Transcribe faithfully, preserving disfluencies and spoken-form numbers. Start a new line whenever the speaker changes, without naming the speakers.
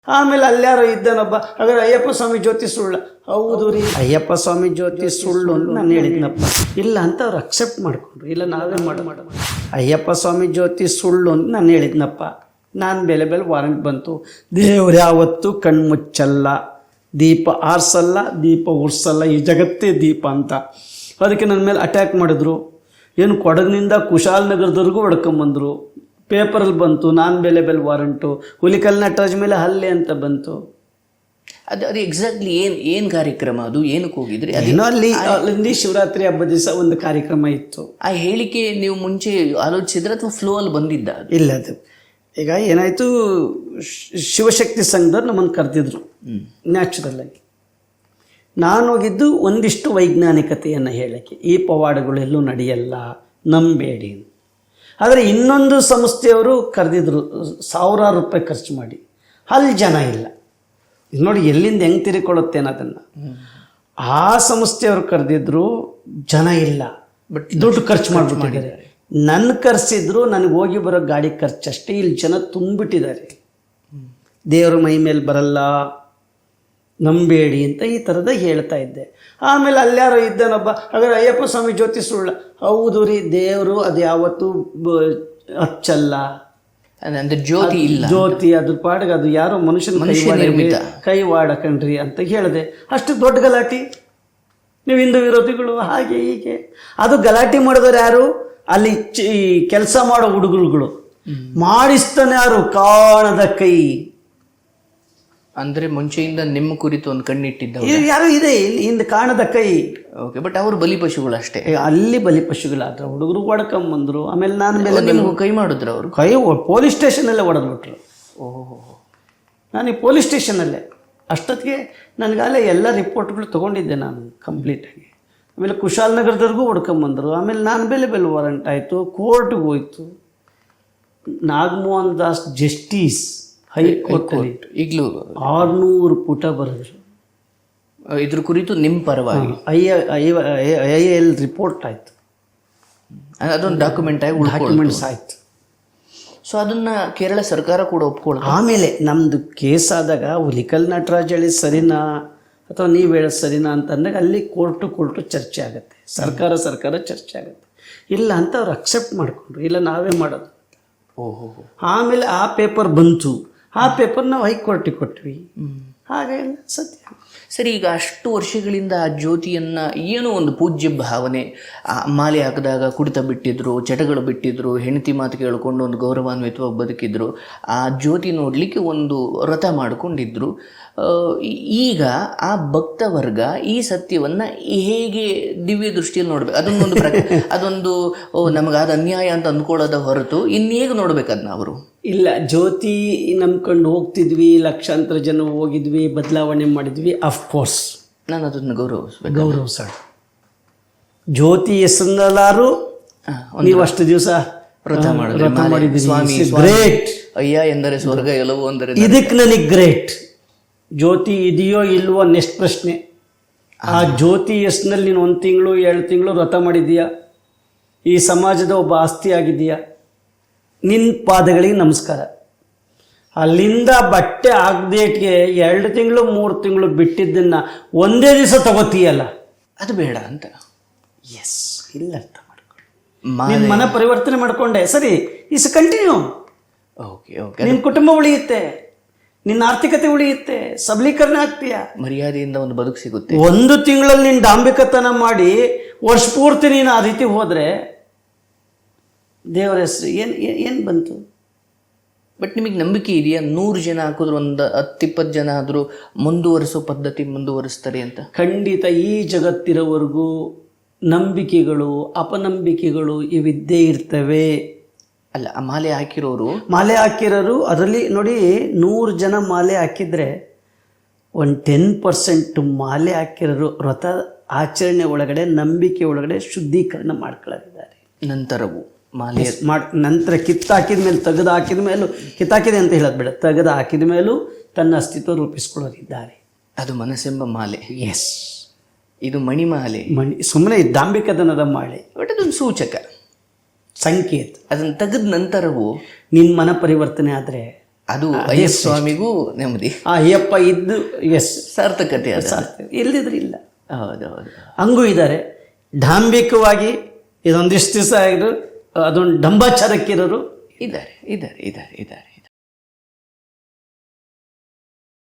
ಆಮೇಲೆ ಅಲ್ಯಾರೋ ಇದ್ದಾನೊಬ್ಬ, ಹಾಗಾದ್ರೆ ಅಯ್ಯಪ್ಪ ಸ್ವಾಮಿ ಜ್ಯೋತಿ ಸುಳ್ಳ? ಹೌದು ರೀ, ಅಯ್ಯಪ್ಪ ಸ್ವಾಮಿ ಜ್ಯೋತಿ ಸುಳ್ಳು ಅಂತ ನಾನು ಹೇಳಿದ್ನಪ್ಪ. ಇಲ್ಲ ಅಂತ ಅವ್ರು ಅಕ್ಸೆಪ್ಟ್ ಮಾಡ್ಕೊಂಡ್ರು. ಇಲ್ಲ ನಾವೇ ಮಾಡೋ ಮಾಡ ಅಯ್ಯಪ್ಪ ಸ್ವಾಮಿ ಜ್ಯೋತಿ ಸುಳ್ಳು ಅಂತ ನಾನು ಹೇಳಿದ್ನಪ್ಪ. ನಾನು ಬೆಲೆ ಬೆಲೆ ವಾರಂಟ್ ಬಂತು. ದೇವ್ರು ಯಾವತ್ತೂ ಕಣ್ಮುಚ್ಚಲ್ಲ, ದೀಪ ಆರಿಸಲ್ಲ, ದೀಪ ಉರ್ಸಲ್ಲ, ಈ ಜಗತ್ತೇ ದೀಪ ಅಂತ. ಅದಕ್ಕೆ ನನ್ನ ಮೇಲೆ ಅಟ್ಯಾಕ್ ಮಾಡಿದ್ರು. ಏನು ಕೊಡಗಿನಿಂದ ಕುಶಾಲನಗರದವರೆಗೂ ಹೊಡ್ಕೊಂಬಂದರು. ಪೇಪರಲ್ಲಿ ಬಂತು ನಾನು ಬೆಲೆ ಬೆಲೆ ವಾರಂಟು. ಹುಲಿಕಲ್ ನಟರಾಜ್ ಮೇಲೆ ಹಲ್ಲೆ ಅಂತ ಬಂತು.
ಅದು ಅದು ಎಕ್ಸಾಕ್ಟ್ಲಿ ಏನು ಏನು ಕಾರ್ಯಕ್ರಮ, ಅದು ಏನಕ್ಕೆ ಹೋಗಿದ್ರಿ?
ಅದೇನೋ ಅಲ್ಲಿ ಅಲ್ಲಿ ಶಿವರಾತ್ರಿ ಹಬ್ಬದ ದಿವಸ ಒಂದು ಕಾರ್ಯಕ್ರಮ ಇತ್ತು.
ಆ ಹೇಳಿಕೆ ನೀವು ಮುಂಚೆ ಆಲೋಚಿಸಿದ್ರೆ ಅಥವಾ ಫ್ಲೋ ಅಲ್ಲಿ ಬಂದಿದ್ದ?
ಇಲ್ಲ, ಅದು ಈಗ ಏನಾಯಿತು, ಶಿವಶಕ್ತಿ ಸಂಘದವ್ರು ನಮ್ಮನ್ನು ಕರೆದಿದ್ರು ನ್ಯಾಚುರಲ್ ಆಗಿ. ನಾನು ಹೋಗಿದ್ದು ಒಂದಿಷ್ಟು ವೈಜ್ಞಾನಿಕತೆಯನ್ನು ಹೇಳೋಕ್ಕೆ. ಈ ಪವಾಡಗಳೆಲ್ಲೂ ನಡೆಯಲ್ಲ, ನಂಬೇಡಿ. ಆದರೆ ಇನ್ನೊಂದು ಸಂಸ್ಥೆಯವರು ಕರೆದಿದ್ರು ಸಾವಿರಾರು ರೂಪಾಯಿ ಖರ್ಚು ಮಾಡಿ. ಅಲ್ಲಿ ಜನ ಇಲ್ಲ. ನೋಡಿ ಎಲ್ಲಿಂದ ಹೆಂಗೆ ತಿರ್ಕೊಳ್ಳುತ್ತೆ ಅನ್ನೋದನ್ನು. ಆ ಸಂಸ್ಥೆಯವರು ಕರೆದಿದ್ರು, ಜನ ಇಲ್ಲ, ಬಟ್ ದುಡ್ಡು ಖರ್ಚು ಮಾಡಿಬಿಟ್ಟಿದ್ದಾರೆ. ನನ್ನ ಕರೆಸಿದ್ರು, ನನಗೆ ಹೋಗಿ ಬರೋ ಗಾಡಿ ಖರ್ಚಷ್ಟೇ. ಇಲ್ಲಿ ಜನ ತುಂಬಿಟ್ಟಿದ್ದಾರೆ. ದೇವರ ಮೈ ಮೇಲೆ ಬರಲ್ಲ, ನಂಬೇಡಿ ಅಂತ ಈ ಥರದ ಹೇಳ್ತಾ ಇದ್ದೆ. ಆಮೇಲೆ ಅಲ್ಯಾರೋ ಇದ್ದಾನೊಬ್ಬ, ಹಾಗಾದ್ರೆ ಅಯ್ಯಪ್ಪ ಸ್ವಾಮಿ ಜ್ಯೋತಿ ಸುಳ್ಳ? ಹೌದು ರೀ, ದೇವರು ಅದು ಯಾವತ್ತೂ ಹಚ್ಚಲ್ಲ,
ಅಂದ್ರೆ ಜ್ಯೋತಿ ಇಲ್ಲ,
ಜ್ಯೋತಿ ಅದ್ರ ಪಾಡಿಗೆ ಅದು ಯಾರೋ ಮನುಷ್ಯನ ಕೈವಾಡ ಕೈವಾಡ ಕಣ್ರಿ ಅಂತ ಹೇಳಿದೆ. ಅಷ್ಟು ದೊಡ್ಡ ಗಲಾಟೆ. ನೀವು ಹಿಂದೂ ವಿರೋಧಿಗಳು ಹಾಗೆ ಹೀಗೆ. ಅದು ಗಲಾಟೆ ಮಾಡಿದವರು ಯಾರು? ಅಲ್ಲಿ ಕೆಲಸ ಮಾಡೋ ಹುಡುಗರುಗಳು. ಮಾಡಿಸ್ತಾನೆ ಯಾರು? ಕಾಣದ ಕೈ.
ಅಂದ್ರೆ ಮುಂಚೆಯಿಂದ ನಿಮ್ಮ ಕುರಿತು ಒಂದು ಕಣ್ಣಿಟ್ಟಿದ್ದ
ಯಾರು ಇದೆ ಇಲ್ಲಿ ಹಿಂದೆ, ಕಾಣದ ಕೈ.
ಓಕೆ, ಬಟ್ ಅವರು ಬಲಿಪಶುಗಳು ಅಷ್ಟೇ.
ಅಲ್ಲಿ ಬಲಿಪಶುಗಳಾದ್ರೆ ಹುಡುಗರು ಹೊಡ್ಕೊಂಬಂದ್ರು. ಆಮೇಲೆ ನಾನು ಮೇಲೆ
ನಿಮ್ಗೆ ಕೈ ಮಾಡಿದ್ರು ಅವರು?
ಕೈ ಪೊಲೀಸ್ ಸ್ಟೇಷನಲ್ಲೇ ಹೊಡೆದ್ಬಿಟ್ರು.
ಓಹೋ,
ನಾನು ಈ ಪೊಲೀಸ್ ಸ್ಟೇಷನಲ್ಲೇ. ಅಷ್ಟೊತ್ತಿಗೆ ನನಗಾಲೇ ಎಲ್ಲ ರಿಪೋರ್ಟ್ಗಳು ತೊಗೊಂಡಿದ್ದೆ ನಾನು ಕಂಪ್ಲೀಟಾಗಿ. ಆಮೇಲೆ ಕುಶಾಲನಗರದವ್ರಿಗೂ ಹೊಡ್ಕೊಂಬಂದರು. ಆಮೇಲೆ ನಾನು ಬೆಲೆ ಬೆಲೆ ವಾರಂಟ್ ಆಯಿತು, ಕೋರ್ಟ್ಗೆ ಹೋಯ್ತು. ನಾಗಮೋಹನ್ ದಾಸ್ ಜಸ್ಟಿಸ್ ಹೈಕೋರ್ಟಲ್ಲಿ
ಈಗಲೂ
ಆರುನೂರು ಪುಟ ಬರೆದ್ರು
ಇದ್ರ ಕುರಿತು ನಿಮ್ಮ ಪರವಾಗಿ.
ಐ ಐ ಎಲ್ ರಿಪೋರ್ಟ್ ಆಯಿತು,
ಅದೊಂದು ಡಾಕ್ಯುಮೆಂಟ್ ಆಗಿ
ಡಾಕ್ಯುಮೆಂಟ್ಸ್ ಆಯಿತು.
ಸೊ ಅದನ್ನು ಕೇರಳ ಸರ್ಕಾರ ಕೂಡ ಒಪ್ಕೊಳ್ಳ.
ಆಮೇಲೆ ನಮ್ಮದು ಕೇಸ್ ಆದಾಗ ಹುಲಿಕಲ್ ನಟರಾಜ್ ಹೇಳಿ ಸರಿನಾ ಅಥವಾ ನೀವು ಹೇಳೋದು ಸರಿನಾ ಅಂತಂದಾಗ ಅಲ್ಲಿ ಕೋರ್ಟು ಕೋರ್ಟು ಚರ್ಚೆ ಆಗುತ್ತೆ, ಸರ್ಕಾರ ಸರ್ಕಾರ ಚರ್ಚೆ ಆಗುತ್ತೆ. ಇಲ್ಲ ಅಂತ ಅವ್ರು ಅಕ್ಸೆಪ್ಟ್ ಮಾಡಿಕೊಂಡ್ರು. ಇಲ್ಲ ನಾವೇ ಮಾಡೋದು.
ಓಹೋ.
ಆಮೇಲೆ ಆ ಪೇಪರ್ ಬಂತು. ಆ ಪೇಪರ್ ನಾವು ಹೈಕೋರ್ಟಿಗೆ ಕೊಟ್ವಿ. ಹಾಗೆಲ್ಲ ಸತ್ಯ.
ಸರಿ, ಈಗ ಅಷ್ಟು ವರ್ಷಗಳಿಂದ ಆ ಜ್ಯೋತಿಯನ್ನು ಏನೋ ಒಂದು ಪೂಜ್ಯ ಭಾವನೆ, ಮಾಲೆ ಹಾಕಿದಾಗ ಕುಡಿತ ಬಿಟ್ಟಿದ್ರು, ಚಟಗಳು ಬಿಟ್ಟಿದ್ರು, ಹೆಂಡತಿ ಮಾತು ಕೇಳಿಕೊಂಡು ಒಂದು ಗೌರವಾನ್ವಿತವಾಗಿ ಬದುಕಿದ್ರು. ಆ ಜ್ಯೋತಿ ನೋಡಲಿಕ್ಕೆ ಒಂದು ವ್ರತ ಮಾಡಿಕೊಂಡಿದ್ರು. ಈಗ ಆ ಭಕ್ತ ವರ್ಗ ಈ ಸತ್ಯವನ್ನು ಹೇಗೆ ದಿವ್ಯ ದೃಷ್ಟಿಯಲ್ಲಿ ನೋಡ್ಬೇಕು? ಅದನ್ನೊಂದು ಪ್ರ ಅದೊಂದು ನಮಗಾದ ಅನ್ಯಾಯ ಅಂತ ಅಂದ್ಕೊಳ್ಳೋದ ಹೊರತು ಇನ್ನೇಗೆ ನೋಡ್ಬೇಕು ಅದನ್ನ ಅವರು? ಇಲ್ಲ, ಜ್ಯೋತಿ ನಂಬ್ಕೊಂಡು ಹೋಗ್ತಿದ್ವಿ, ಲಕ್ಷಾಂತರ ಜನ ಹೋಗಿದ್ವಿ, ಬದಲಾವಣೆ ಮಾಡಿದ್ವಿ. ಅಫ್ಕೋರ್ಸ್ ನಾನು ಅದನ್ನು ಗೌರವಿಸ್ಬೇಕು, ಗೌರವಿಸೋಣ. ಜ್ಯೋತಿ ಹೆಸರಲ್ಲಾರು ನೀವು ಅಷ್ಟು ದಿವಸ ವ್ರತ ಮಾಡಿದ್ರಿ. ಗ್ರೇಟ್. ಅಯ್ಯ ಎಂದರೆ ಸ್ವರ್ಗ, ಎಲ್ಲವೂ ಅಂದರೆ ಇದಕ್ಕೆ ನನಗೆ ಗ್ರೇಟ್. ಜ್ಯೋತಿ ಇದೆಯೋ ಇಲ್ವೋ ನೆಕ್ಸ್ಟ್ ಪ್ರಶ್ನೆ. ಆ ಜ್ಯೋತಿ ಹೆಸರಿನಲ್ಲಿ ನೀನು ಒಂದು ತಿಂಗಳು ಎರಡು ತಿಂಗಳು ವ್ರತ ಮಾಡಿದೀಯಾ, ಈ ಸಮಾಜದ ಒಬ್ಬ ಆಸ್ತಿ ಆಗಿದೆಯಾ, ನಿನ್ನ ಪಾದಗಳಿಗೆ ನಮಸ್ಕಾರ. ಅಲ್ಲಿಂದ ಬಟ್ಟೆ ಆಗದೇಟ್ಗೆ ಎರಡು ತಿಂಗಳು ಮೂರು ತಿಂಗಳು ಬಿಟ್ಟಿದ್ದನ್ನು ಒಂದೇ ದಿವಸ ತಗೋತೀಯಲ್ಲ, ಅದು ಬೇಡ ಅಂತ. ಎಸ್, ಇಲ್ಲ ಅರ್ಥ ಮಾಡ್ಕೊಂಡು ನಿನ್ನ ಮನ ಪರಿವರ್ತನೆ ಮಾಡಿಕೊಂಡೆ. ಸರಿ, ಇಸ್ ಕಂಟಿನ್ಯೂ. ಓಕೆ ಓಕೆ ನಿನ್ನ ಕುಟುಂಬ ಉಳಿಯುತ್ತೆ, ನಿನ್ನ ಆರ್ಥಿಕತೆ ಉಳಿಯುತ್ತೆ, ಸಬಲೀಕರಣ ಆಗ್ತೀಯ, ಮರ್ಯಾದೆಯಿಂದ ಒಂದು ಬದುಕು ಸಿಗುತ್ತೆ. ಒಂದು ತಿಂಗಳಲ್ಲಿ ನೀನು ಡಾಂಬಿಕತನ ಮಾಡಿ ವರ್ಷ ಪೂರ್ತಿ ನೀನು ಆ ರೀತಿ ಹೋದರೆ ದೇವರ ಹೆಸರು ಏನು ಏನು ಬಂತು? ಬಟ್ ನಿಮಗೆ ನಂಬಿಕೆ ಇದೆಯಾ ನೂರು ಜನ ಹಾಕಿದ್ರು ಒಂದು ಹತ್ತಿಪ್ಪತ್ತು ಜನ ಆದರೂ ಮುಂದುವರಿಸೋ ಪದ್ಧತಿ ಮುಂದುವರಿಸ್ತಾರೆ ಅಂತ? ಖಂಡಿತ. ಈ ಜಗತ್ತಿರೋವರೆಗೂ ನಂಬಿಕೆಗಳು ಅಪನಂಬಿಕೆಗಳು ಇವಿದ್ದೇ ಇರ್ತವೆ. ಅಲ್ಲ, ಆ ಮಾಲೆ ಹಾಕಿರೋರು ಮಾಲೆ ಹಾಕಿರೋರು ಅದರಲ್ಲಿ ನೋಡಿ, ನೂರು ಜನ ಮಾಲೆ ಹಾಕಿದರೆ ಒಂದು ಟೆನ್ ಪರ್ಸೆಂಟ್ ಮಾಲೆ ಹಾಕಿರೋರು ವ್ರತ ಆಚರಣೆ ಒಳಗಡೆ ನಂಬಿಕೆ ಒಳಗಡೆ ಶುದ್ಧೀಕರಣ ಮಾಡ್ಕೊಳ್ಳಿದ್ದಾರೆ. ನಂತರವು ಮಾಲೆ ಮಾಡಿ ನಂತರ ಕಿತ್ತಾಕಿದ ಮೇಲೆ ತೆಗೆದು ಹಾಕಿದ ಮೇಲೂ, ಕಿತ್ತಾಕಿದೆ ಅಂತ ಹೇಳೋದು ಬೇಡ, ತೆಗೆದು ಹಾಕಿದ ಮೇಲೂ ತನ್ನ ಅಸ್ತಿತ್ವ ರೂಪಿಸ್ಕೊಳ್ಳೋರಿದ್ದಾರೆ. ಅದು ಮನಸ್ಸೆಂಬ ಮಾಲೆ. ಎಸ್, ಇದು ಮಣಿಮಾಲೆ. ಮಣಿ ಸುಮ್ಮನೆ ದಾಂಭಿಕತನದ ಮಾಲೆ, ಬಟ್ ಅದೊಂದು ಸೂಚಕ, ಸಂಕೇತ. ಅದನ್ನು ತೆಗೆದ ನಂತರವೂ ನಿನ್ನ ಮನ ಪರಿವರ್ತನೆ ಆದರೆ ಅದು ಅಯ್ಯಪ್ಪ ಸ್ವಾಮಿಗೂ ನೆಮ್ಮದಿ,
ಆ ಅಯ್ಯಪ್ಪ ಇದ್ದು ಎಸ್
ಸಾರ್ಥಕತೆ ಅದ.
ಇಲ್ಲದಿದ್ರೆ ಇಲ್ಲ.
ಹೌದೌದು.
ಹಂಗೂ ಇದ್ದಾರೆ ಡಾಂಬಿಕವಾಗಿ ಇದೊಂದಿಷ್ಟು ದಿವಸ ಆಗಿದ್ರು ಅದೊಂದು ಡಂಬಾಚಾರಕ್ಕಿರೋರು
ಇದ್ದಾರೆ ಇದ್ದಾರೆ ಇದ್ದಾರೆ ಇದ್ದಾರೆ